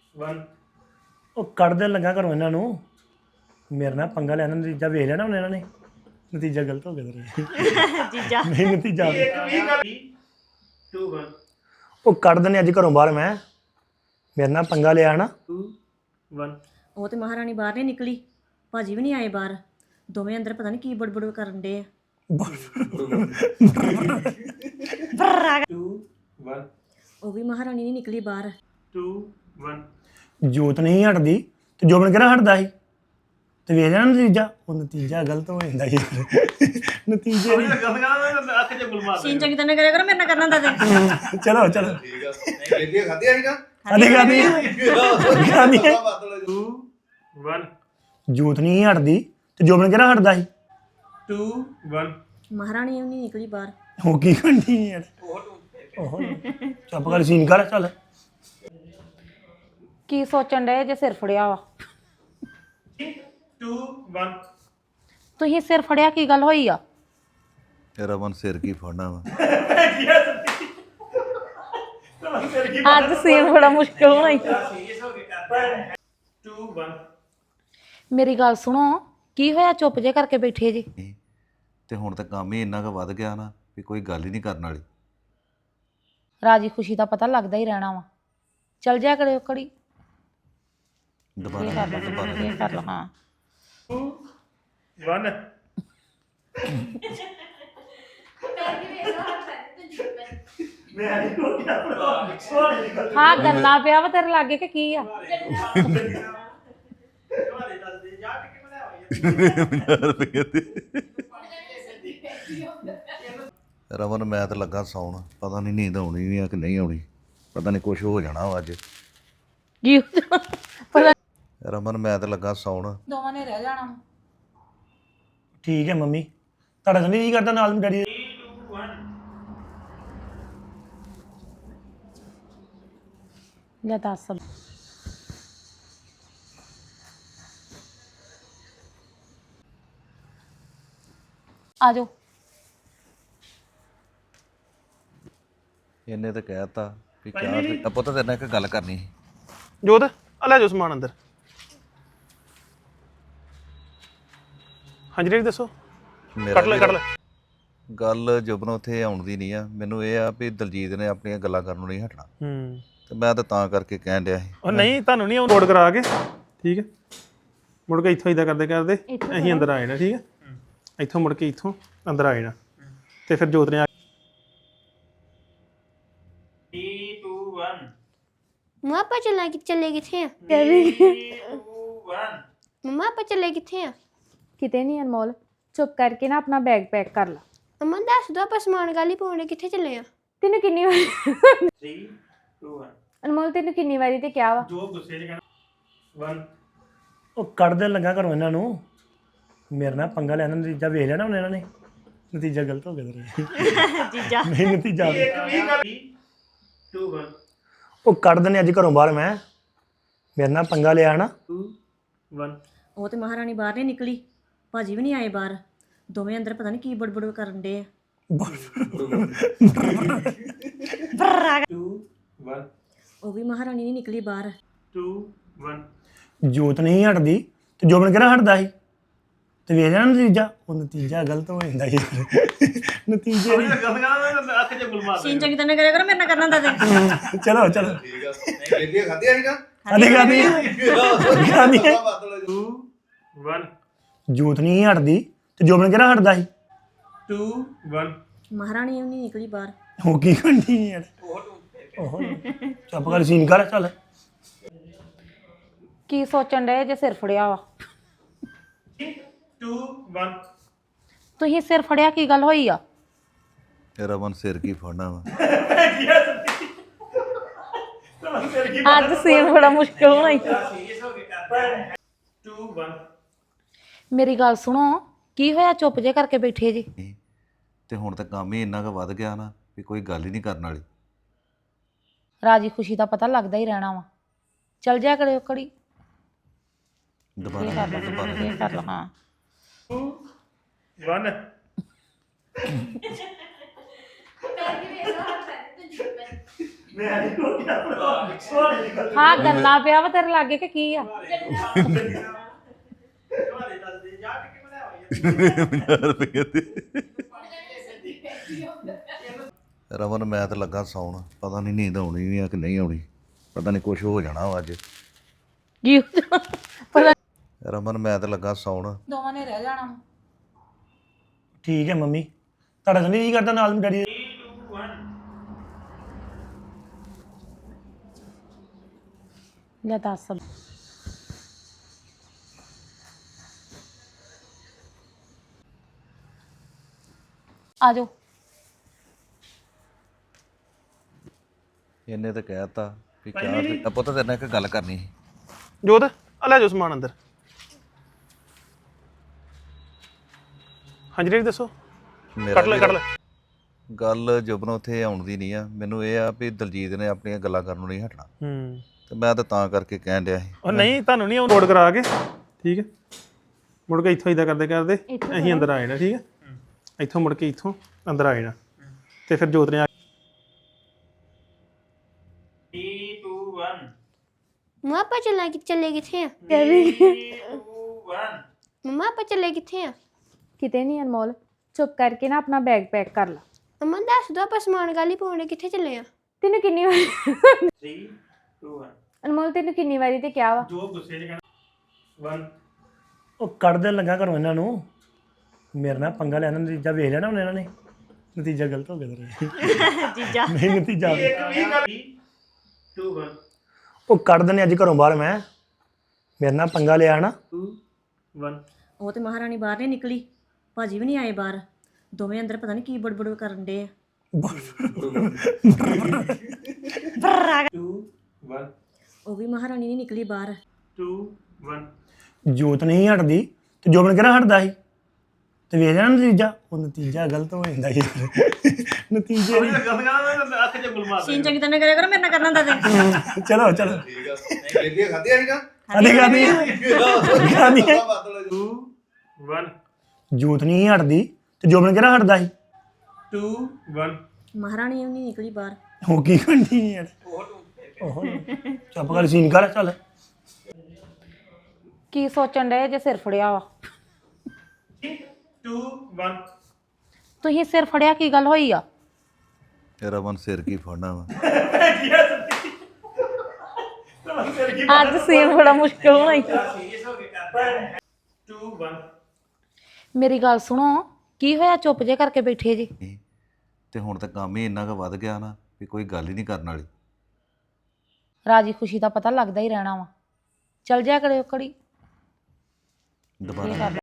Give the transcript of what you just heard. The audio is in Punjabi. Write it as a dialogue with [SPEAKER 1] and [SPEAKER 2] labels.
[SPEAKER 1] 1 ਉਹ ਕੱਢ ਦੇਣ ਲੱਗਾ ਘਰੋਂ ਇਹਨਾਂ ਨੂੰ ਮੇਰੇ ਨਾਲ ਪੰਗਾ ਲੈਣਾ ਨਤੀਜਾ ਵੇਖ ਲੈਣਾ ਹੁਣ ਇਹਨਾਂ ਨੇ ਨਤੀਜਾ ਗਲਤ ਹੋ ਗਿਆ ਤੇਰਾ
[SPEAKER 2] ਜੀਜਾ
[SPEAKER 1] ਨਹੀਂ ਨਤੀਜਾ
[SPEAKER 3] 2 1
[SPEAKER 1] ਉਹ ਕੱਢ ਦੇਣੇ ਅੱਜ ਘਰੋਂ ਬਾਹਰ ਮੈਂ ਮੇਰੇ ਨਾਲ ਪੰਗਾ ਲਿਆ ਨਾ
[SPEAKER 3] 2 1
[SPEAKER 2] ਉਹ ਤੇ ਮਹਾਰਾਣੀ ਬਾਹਰ ਨਹੀਂ ਨਿਕਲੀ ਭਾਜੀ ਵੀ ਨਹੀਂ ਆਏ ਬਾਹਰ ਦੋਵੇਂ ਅੰਦਰ ਪਤਾ ਨਹੀਂ ਕੀ ਬੜਬੜ ਕਰਨ ਦੇ ਆ
[SPEAKER 3] 2 1
[SPEAKER 2] ਉਹ ਵੀ ਮਹਾਰਾਣੀ ਨਹੀਂ ਨਿਕਲੀ ਬਾਹਰ
[SPEAKER 3] 2 1
[SPEAKER 1] ਜੋਤ ਨਹੀਂ ਹਟਦੀ ਤੇ ਜੋਬਨ ਕਿਹੜਾ ਹਟਦਾ ਸੀ ਤੇ ਵੇਖ ਲੈਣਾ ਨਤੀਜਾ ਉਹ ਨਤੀਜਾ ਗਲਤ ਹੋ ਜਾਂਦਾ ਯਾਰ ਨਤੀਜੇ ਦੀ-
[SPEAKER 3] ਅੱਖ ਚ ਗੁਲਮਾਰ
[SPEAKER 2] ਸੀਨ ਚੰਗੀ ਤਰ੍ਹਾਂ ਕਰਿਆ ਕਰੋ ਮੇਰੇ ਨਾਲ ਕਰਨਾ ਹੁੰਦਾ ਤੇ
[SPEAKER 1] ਚਲੋ ਚਲੋ
[SPEAKER 4] ਠੀਕ ਆ ਨਹੀਂ ਬੇਲੀਆਂ ਖਾਧੀਆਂ ਸੀਗਾ
[SPEAKER 1] ਖਾਦੀ ਖਾਦੀ ਖਾਦੀ
[SPEAKER 3] 2 1
[SPEAKER 1] ਜੋਤ ਨਹੀਂ ਹਟਦੀ ਤੇ ਜੋਬਨ ਕਿਹੜਾ ਹਟਦਾ ਸੀ
[SPEAKER 3] 2 1
[SPEAKER 2] ਮਹਾਰਾਣੀ ਵੀ ਨਹੀਂ ਨਿਕਲੀ ਬਾਹਰ
[SPEAKER 1] ਉਹ ਕੀ ਕਰਨੀ ਯਾਰ ਉਹ ਚੁੱਪ ਕਰ ਸੀਨ ਕਰ ਚੱਲ
[SPEAKER 5] ਕੀ ਸੋਚਣ ਡਏ ਜੇ ਸਿਰ ਫੜਿਆ ਵਾ
[SPEAKER 3] 2 1
[SPEAKER 5] ਤੁਸੀਂ ਸਿਰ ਫੜਿਆ ਕੀ ਗੱਲ ਹੋਈ ਆ
[SPEAKER 4] ਰਮਨ ਸਿਰ ਕੀ ਫੜਨਾ ਵਾ
[SPEAKER 5] ਅੱਜ ਸੀਨ ਬੜਾ ਮੁਸ਼ਕਿਲ ਹੋਣਾ ਈ।
[SPEAKER 3] 2 1
[SPEAKER 5] ਮੇਰੀ ਗੱਲ ਸੁਣੋ ਕੀ ਹੋਇਆ ਚੁੱਪ ਜੇ ਕਰਕੇ ਬੈਠੇ ਜੀ
[SPEAKER 4] ਤੇ ਹੁਣ ਤਾਂ ਕੰਮ ਹੀ ਇੰਨਾ ਕੁ ਵੱਧ ਗਿਆ ਨਾ ਵੀ ਕੋਈ ਗੱਲ ਹੀ ਨਹੀਂ ਕਰਨ ਵਾਲੀ
[SPEAKER 5] ਰਾਜੀ ਖੁਸ਼ੀ ਦਾ ਪਤਾ ਲੱਗਦਾ ਹੀ ਰਹਿਣਾ ਵਾ ਚਲ ਜਾ ਕਰਿਓ ਕੜੀ ਇਹ
[SPEAKER 4] ਦੁਬਾਰਾ
[SPEAKER 5] ਕਰ ਲਓ ਇਹ ਕਰ ਲਓ ਹਾਂ
[SPEAKER 3] 2 1
[SPEAKER 5] ਹਾਂ ਗੰਨਾ ਪਿਆ ਵਾ ਤੇਰੇ ਲਾਗੇ ਕਿ ਕੀ ਆ
[SPEAKER 4] ਰਮਨ ਮੈਂ ਤਾਂ ਲੱਗਾ ਸੌਣ ਪਤਾ ਨਹੀਂ ਨੀਂਦ ਆਉਣੀ ਵੀ ਆ ਕਿ ਨਹੀਂ ਆਉਣੀ ਪਤਾ ਨਹੀਂ ਕੁਝ ਹੋ ਜਾਣਾ ਵਾ ਅੱਜ
[SPEAKER 5] ਕੀ ਹੋ ਜਾਣਾ? ਪਤਾ
[SPEAKER 4] ਰਮਨ ਮੈਂ ਤਾਂ ਲੱਗਾ ਸੌਣ
[SPEAKER 5] ਦੋਵਾਂ ਨੇ ਰਹਿ ਜਾਣਾ
[SPEAKER 1] ਠੀਕ ਹੈ ਮੰਮੀ ਤੁਹਾਡਾ ਤਾਂ ਨਹੀਂ ਜੀ ਕਰਦਾ ਨਾਲ ਡੈਡੀ ਦੇ?
[SPEAKER 5] ਲੈ ਦੱਸ ਆ ਜਾਓ
[SPEAKER 4] ਇਹਨੇ ਤਾਂ ਕਹਿਤਾ ਵੀ ਕਿਆ ਪੁੱਤ ਤੇਰੇ ਨਾਲ ਇੱਕ ਗੱਲ ਕਰਨੀ ਸੀ
[SPEAKER 3] ਜੋਤ ਆ ਲੈ ਜੋ ਸਮਾਨ ਅੰਦਰ ਹਾਂਜੀ ਡੈਡੀ ਦੱਸੋ
[SPEAKER 4] ਮੇਰਾ
[SPEAKER 3] ਕੱਢ ਲੈ
[SPEAKER 4] ਗੱਲ ਜੁਬਨ ਉੱਥੇ ਆਉਣ ਦੀ ਨਹੀਂ ਆ ਮੈਨੂੰ ਇਹ ਆ ਵੀ ਦਲਜੀਤ ਨੇ ਆਪਣੀਆਂ ਗੱਲਾਂ ਕਰਨ ਨੂੰ ਨਹੀਂ ਹਟਣਾ
[SPEAKER 3] ਹੂੰ
[SPEAKER 4] ਤੇ ਮੈਂ ਤਾਂ ਕਰਕੇ ਕਹਿਣ ਡਿਆ ਸੀ
[SPEAKER 3] ਉਹ ਨਹੀਂ ਤੁਹਾਨੂੰ ਨਹੀਂ ਨੋਟ ਕਰਾ ਕੇ ਠੀਕ ਹੈ ਮੁੜ ਕੇ ਇੱਥੋਂ ਇਦਾਂ ਕਰਦੇ ਕਰਦੇ ਅਸੀਂ ਅੰਦਰ ਆ ਜਾਣਾ ਠੀਕ ਹੈ ਇੱਥੋਂ ਮੁੜ ਕੇ ਇੱਥੋਂ ਅੰਦਰ ਆ ਜਾਣਾ ਤੇ ਫਿਰ ਜੋਤ ਨੇ ਆ 3 2 1
[SPEAKER 6] ਮਮਾ ਆਪਾਂ ਚੱਲੇ ਕਿੱਥੇ ਆ
[SPEAKER 3] 2 1
[SPEAKER 6] ਮਮਾ ਆਪਾਂ ਚੱਲੇ ਕਿੱਥੇ ਆ
[SPEAKER 7] ਕਿਤੇ ਨਹੀਂ ਅਨਮੋਲ ਚੁੱਪ ਕਰਕੇ ਨਾ ਆਪਣਾ ਬੈਗ ਪੈਕ ਕਰ ਲਾ
[SPEAKER 6] ਮਮਾ ਦੱਸ ਦੋ ਆਪਾਂ ਸਮਾਨ ਗਾਲੀ ਪਾਉਣੇ ਕਿੱਥੇ ਚੱਲੇ ਆ
[SPEAKER 7] ਤੈਨੂੰ ਕਿੰਨੀ ਵਾਰੀ
[SPEAKER 3] 3 2 1
[SPEAKER 7] ਅਨਮੋਲ ਤੈਨੂੰ ਕਿੰਨੀ ਵਾਰੀ ਤੇ ਕਿਹਾ ਵਾ
[SPEAKER 3] ਜੋ ਗੁੱਸੇ 'ਚ ਕਹਿਣਾ 1
[SPEAKER 1] ਉਹ ਕੱਢ ਦੇਣ ਲੱਗਾ ਘਰੋਂ ਇਹਨਾਂ ਨੂੰ ਮੇਰੇ ਨਾਲ ਪੰਗਾ ਲੈਣਾ ਨਤੀਜਾ ਵੇਖ ਲੈਣਾ ਹੁਣ ਇਹਨਾਂ ਨੇ ਨਤੀਜਾ ਗਲਤ ਹੋ ਗਿਆ ਤੇਰਾ
[SPEAKER 2] ਜੀਜਾ
[SPEAKER 1] ਨਹੀਂ ਨਤੀਜਾ
[SPEAKER 3] 2 1
[SPEAKER 1] ਉਹ ਕੱਢ ਦੇਣੇ ਅੱਜ ਘਰੋਂ ਬਾਹਰ ਮੈਂ ਮੇਰੇ ਨਾਲ ਪੰਗਾ ਲਿਆ ਨਾ
[SPEAKER 3] 2 1
[SPEAKER 2] ਉਹ ਤੇ ਮਹਾਰਾਣੀ ਬਾਹਰ ਨਹੀਂ ਨਿਕਲੀ ਭਾਜੀ ਵੀ ਨਹੀਂ ਆਏ ਬਾਹਰ ਦੋਵੇਂ ਅੰਦਰ ਪਤਾ ਨਹੀਂ ਕੀ ਬੜਬੜ ਕਰਨ ਦੇ ਆ
[SPEAKER 3] 2 1
[SPEAKER 2] ਉਹ ਵੀ ਮਹਾਰਾਣੀ ਨਹੀਂ ਨਿਕਲੀ ਬਾਹਰ
[SPEAKER 3] 2 1
[SPEAKER 1] ਜੋਤ ਨਹੀਂ ਹਟਦੀ ਤੇ ਜੋਬਨ ਕਿਹੜਾ ਹਟਦਾ ਸੀ ਤੇ ਵੇਖ ਲੈਣਾ ਨਤੀਜਾ ਉਹ ਨਤੀਜਾ ਗਲਤ ਹੋ ਜਾਂਦਾ ਯਾਰ ਨਤੀਜੇ ਦੀ-
[SPEAKER 3] ਅੱਖ ਚ ਗੁਲਮਾਰ
[SPEAKER 2] ਸੀਨ ਚੰਗੀ ਤਰ੍ਹਾਂ ਕਰਿਆ ਕਰੋ ਮੇਰੇ ਨਾਲ ਕਰਨਾ ਹੁੰਦਾ ਤੇ
[SPEAKER 1] ਚਲੋ ਚਲੋ
[SPEAKER 4] ਠੀਕ ਆ ਨਹੀਂ ਬੇਲੀਆਂ ਖਾਧੀਆਂ ਸੀਗਾ
[SPEAKER 1] ਖਾਦੀ ਖਾਦੀ
[SPEAKER 3] 2 1
[SPEAKER 1] ਜੋਤ ਨਹੀਂ ਹਟਦੀ ਤੇ ਜੋਬਨ ਕਿਹੜਾ ਹਟਦਾ ਸੀ
[SPEAKER 3] 2 1
[SPEAKER 2] ਮਹਾਰਾਣੀ ਵੀ ਨਹੀਂ ਨਿਕਲੀ ਬਾਹਰ
[SPEAKER 1] ਉਹ ਕੀ ਕਰਨੀ ਯਾਰ ਉਹ ਚੁੱਪ ਕਰ ਸੀਨ ਕਰ ਚੱਲ
[SPEAKER 5] ਕੀ ਸੋਚਣ ਡਏ ਜੇ ਸਿਰ ਫੜਿਆ ਵਾ
[SPEAKER 3] 2 1
[SPEAKER 5] ਤੁਸੀਂ ਸਿਰ ਫੜਿਆ ਕੀ ਗੱਲ ਹੋਈ ਆ
[SPEAKER 4] ਰਮਨ ਸਿਰ ਕੀ ਫੜਨਾ ਵਾ
[SPEAKER 5] ਅੱਜ ਸੀਨ ਬੜਾ ਮੁਸ਼ਕਿਲ ਹੋਣਾ ਈ।
[SPEAKER 3] 2 1
[SPEAKER 5] ਮੇਰੀ ਗੱਲ ਸੁਣੋ ਕੀ ਹੋਇਆ ਚੁੱਪ ਜੇ ਕਰਕੇ ਬੈਠੇ ਜੀ
[SPEAKER 4] ਤੇ ਹੁਣ ਤਾਂ ਕੰਮ ਹੀ ਇੰਨਾ ਕੁ ਵੱਧ ਗਿਆ ਨਾ ਵੀ ਕੋਈ ਗੱਲ ਹੀ ਨਹੀਂ ਕਰਨ ਵਾਲੀ
[SPEAKER 5] ਰਾਜੀ ਖੁਸ਼ੀ ਦਾ ਪਤਾ ਲੱਗਦਾ ਹੀ ਰਹਿਣਾ ਵਾ ਚਲ ਜਾ ਕਰਿਓ ਕੜੀ ਇਹ
[SPEAKER 4] ਦੁਬਾਰਾ
[SPEAKER 5] ਕਰ ਲਓ ਇਹ ਕਰ ਲਓ ਹਾਂ
[SPEAKER 3] 2 1
[SPEAKER 6] 2
[SPEAKER 5] ਹਾਂ ਗੰਨਾ ਪਿਆ ਵਾ ਤੇਰੇ ਲਾਗੇ ਕਿ ਕੀ ਆ
[SPEAKER 4] ਰਮਨ ਮੈਂ ਤਾਂ ਲੱਗਾ ਸੌਣ ਪਤਾ ਨਹੀਂ ਨੀਂਦ ਆਉਣੀ ਵੀ ਆ ਕਿ ਨਹੀਂ ਆਉਣੀ ਪਤਾ ਨਹੀਂ ਕੁਝ ਹੋ ਜਾਣਾ ਵਾ ਅੱਜ
[SPEAKER 5] ਕੀ ਪਤਾ
[SPEAKER 4] ਰਮਨ ਮੈਂ ਤਾਂ ਲੱਗਾ ਸੌਣ
[SPEAKER 5] ਦੋਵਾਂ ਨੇ ਰਹਿ ਜਾਣਾ
[SPEAKER 1] ਠੀਕ ਹੈ ਮੰਮੀ ਤੁਹਾਡਾ ਤਾਂ ਨਹੀਂ ਜੀ ਕਰਦਾ ਨਾਲ ਡੈਡੀ ਦੇ?
[SPEAKER 5] ਲੈ ਦੱਸ ਆ ਜਾਓ
[SPEAKER 4] ਇਹਨੇ ਤਾਂ ਕਹਿਤਾ ਵੀ ਕਿਆ ਪੁੱਤ ਤੇਰੇ ਨਾਲ ਇੱਕ ਗੱਲ ਕਰਨੀ ਸੀ
[SPEAKER 3] ਜੋਤ ਆ ਲੈ ਜਾਓ ਸਮਾਨ ਅੰਦਰ ਹਾਂਜੀ ਡੈਡੀ ਦੱਸੋ
[SPEAKER 4] ਮੇਰਾ
[SPEAKER 3] ਕੱਟ ਲੈ
[SPEAKER 4] ਗੱਲ ਜੁਬਨ ਉੱਥੇ ਆਉਣ ਦੀ ਨਹੀਂ ਆ ਮੈਨੂੰ ਇਹ ਆ ਵੀ ਦਲਜੀਤ ਨੇ ਆਪਣੀਆਂ ਗੱਲਾਂ ਕਰਨ ਨੂੰ ਨਹੀਂ ਹਟਣਾ
[SPEAKER 3] ਹੂੰ
[SPEAKER 4] ਤੇ ਮੈਂ ਤਾਂ ਕਰਕੇ ਕਹਿਣ ਡਿਆ ਸੀ
[SPEAKER 3] ਉਹ ਨਹੀਂ ਤੁਹਾਨੂੰ ਨਹੀਂ ਨੋਟ ਕਰਾ ਕੇ ਠੀਕ ਹੈ ਮੁੜ ਕੇ ਇੱਥੋਂ ਇਦਾਂ ਕਰਦੇ ਕਰਦੇ ਅਸੀਂ ਅੰਦਰ ਆ ਜਾਣਾ ਠੀਕ ਹੈ ਇੱਥੋਂ ਮੁੜ ਕੇ ਇੱਥੋਂ ਅੰਦਰ ਆ ਜਾਣਾ ਤੇ ਫਿਰ ਜੋਤ ਨੇ ਆ
[SPEAKER 8] 3 2 1
[SPEAKER 6] ਮੰਮਾ ਆਪਾਂ ਚੱਲੇ ਕਿੱਥੇ ਆ
[SPEAKER 8] 2 1
[SPEAKER 6] ਮੰਮਾ ਆਪਾਂ ਚੱਲੇ ਕਿੱਥੇ ਆ
[SPEAKER 7] ਕਿਤੇ ਨਹੀਂ ਅਨਮੋਲ ਚੁੱਪ ਕਰਕੇ ਨਾ ਆਪਣਾ ਬੈਗ ਪੈਕ ਕਰ ਲਾ
[SPEAKER 6] ਮੰਮਾ ਦੱਸ ਦੋ ਆਪਾਂ ਸਮਾਨ ਗਾਲੀ ਪਾਉਣੇ ਕਿੱਥੇ ਚੱਲੇ ਆ
[SPEAKER 7] ਤੈਨੂੰ ਕਿੰਨੀ ਵਾਰੀ
[SPEAKER 8] 3 2 1
[SPEAKER 7] ਅਨਮੋਲ ਤੈਨੂੰ ਕਿੰਨੀ ਵਾਰੀ ਤੇ ਕਿਹਾ ਵਾ
[SPEAKER 3] ਜੋ ਗੁੱਸੇ 'ਚ ਕਹਿਣਾ 1
[SPEAKER 1] ਉਹ ਕੱਢ ਦੇਣ ਲੱਗਾ ਘਰੋਂ ਇਹਨਾਂ ਨੂੰ ਮੇਰੇ ਨਾਲ ਪੰਗਾ ਲੈਣਾ ਨਤੀਜਾ ਵੇਖ ਲਿਆ ਨਾ ਹੁਣ ਇਹਨਾਂ ਨੇ ਨਤੀਜਾ ਗਲਤ ਹੋ ਗਿਆ ਤੇਰਾ
[SPEAKER 2] ਜੀਜਾ
[SPEAKER 1] ਨਹੀਂ ਨਤੀਜਾ
[SPEAKER 8] 2 1
[SPEAKER 1] ਉਹ ਕੱਢ ਦੇਣੇ ਅੱਜ ਘਰੋਂ ਬਾਹਰ ਮੈਂ ਮੇਰੇ ਨਾਲ ਪੰਗਾ ਲਿਆ ਨਾ
[SPEAKER 8] 2 1
[SPEAKER 2] ਉਹ ਤੇ ਮਹਾਰਾਣੀ ਬਾਹਰ ਨਹੀਂ ਨਿਕਲੀ ਭਾਜੀ ਵੀ ਨਹੀਂ ਆਏ ਬਾਹਰ ਦੋਵੇਂ ਅੰਦਰ ਪਤਾ ਨਹੀਂ ਕੀ ਬੜਬੜ ਕਰਨ ਡੇ ਆ
[SPEAKER 8] 2 1
[SPEAKER 2] ਉਹ ਵੀ ਮਹਾਰਾਣੀ ਨਹੀਂ ਨਿਕਲੀ ਬਾਹਰ
[SPEAKER 8] 2 1
[SPEAKER 1] ਜੋਤ ਨਹੀਂ ਹਟਦੀ ਤੇ ਜੋਬਨ ਕਿਹੜਾ ਹਟਦਾ ਸੀ ਤੇ ਵੇਖ ਲਿਆ ਨਾ ਨਤੀਜਾ ਉਹ ਨਤੀਜਾ ਗਲਤ ਹੋ ਜਾਂਦਾ ਸੀ ਨਤੀਜੇ ਨਹੀਂ
[SPEAKER 8] ਅੱਖ 'ਚ ਗੁਲ ਮਾਰ
[SPEAKER 2] ਸੀਨ ਚੰਗੀ ਤਰ੍ਹਾਂ ਕਰਿਆ ਕਰੋ ਮੇਰੇ ਨਾਲ ਕਰਨਾ ਹੁੰਦਾ ਤੇ
[SPEAKER 1] ਚਲੋ ਚਲੋ ਖਾਦੀ
[SPEAKER 8] 2 1
[SPEAKER 1] ਜੋਤ ਨਹੀਂ ਹਟਦੀ ਤੇ ਜੋਬਨ ਕਿਹੜਾ ਹਟਦਾ ਸੀ
[SPEAKER 8] 2 1
[SPEAKER 2] ਮਹਾਰਾਣੀ ਨਹੀਂ ਨਿਕਲੀ ਬਾਹਰ
[SPEAKER 1] ਉਹ ਕੀ ਕਰਨੀ ਯਾਰ ਉਹ ਚੱਪ ਕਰ ਸੀਨ ਕਰ ਚੱਲ
[SPEAKER 5] ਕੀ ਸੋਚਣ ਡਏ ਜੇ ਸਿਰ ਫੜਿਆ ਵਾ
[SPEAKER 8] 2 1
[SPEAKER 5] ਤੁਸੀਂ ਸਿਰ ਫੜਿਆ ਕੀ ਗੱਲ ਹੋਈ ਆ
[SPEAKER 4] ਰਮਨ ਸਿਰ ਕੀ ਫੜਨਾ ਵਾ
[SPEAKER 5] ਅੱਜ ਸੀਨ ਬੜਾ ਮੁਸ਼ਕਿਲ ਹੋਣਾ ਈ।
[SPEAKER 8] 2 1
[SPEAKER 5] ਮੇਰੀ ਗੱਲ ਸੁਣੋ ਕੀ ਹੋਇਆ ਚੁੱਪ ਜੇ ਕਰਕੇ ਬੈਠੇ ਜੀ
[SPEAKER 4] ਤੇ ਹੁਣ ਤਾਂ ਕੰਮ ਹੀ ਇੰਨਾ ਕੁ ਵੱਧ ਗਿਆ ਨਾ ਵੀ ਕੋਈ ਗੱਲ ਹੀ ਨਹੀਂ ਕਰਨ ਵਾਲੀ
[SPEAKER 5] ਰਾਜੀ ਖੁਸ਼ੀ ਦਾ ਪਤਾ ਲੱਗਦਾ ਹੀ ਰਹਿਣਾ ਵਾ ਚਲ ਜਾ ਕਰਿਓ ਕੜੀ
[SPEAKER 4] ਦੁਬਾਰਾ